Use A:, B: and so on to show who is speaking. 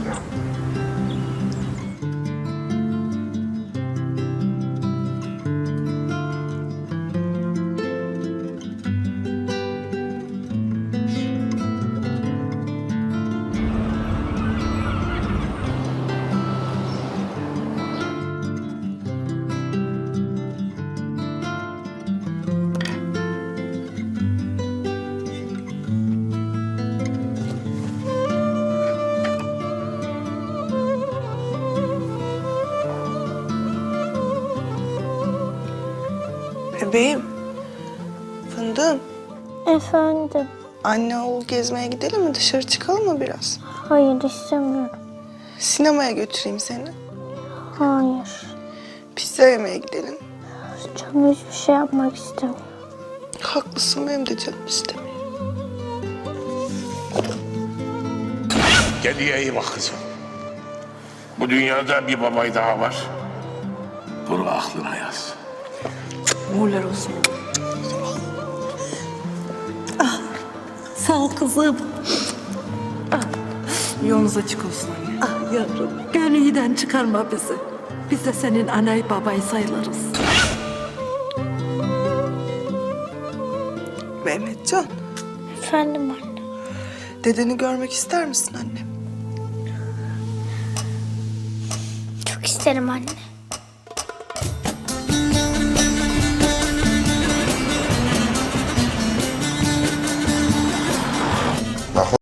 A: Bebeğim, fındığım.
B: Efendim?
A: Anne oğul gezmeye gidelim mi? Dışarı çıkalım mı biraz?
B: Hayır, istemiyorum.
A: Sinemaya götüreyim seni.
B: Hayır.
A: Pizza yemeye gidelim.
B: Canım hiçbir şey yapmak istemiyor.
A: Haklısın, benim de canım istemiyor.
C: Kendine iyi bak kızım. Bu dünyada bir babay daha var. Bunu aklına yaz.
A: Uğurlar olsun.
D: Sağ ol kızım.
A: Yolunuz açık olsun anne.
D: Ah yavrum, gönlüden çıkarma bizi. Biz de senin anayı babayı sayılırız.
A: Mehmetcan,
B: Efendim anne?
A: dedeni görmek ister misin anne?
B: Çok isterim anne.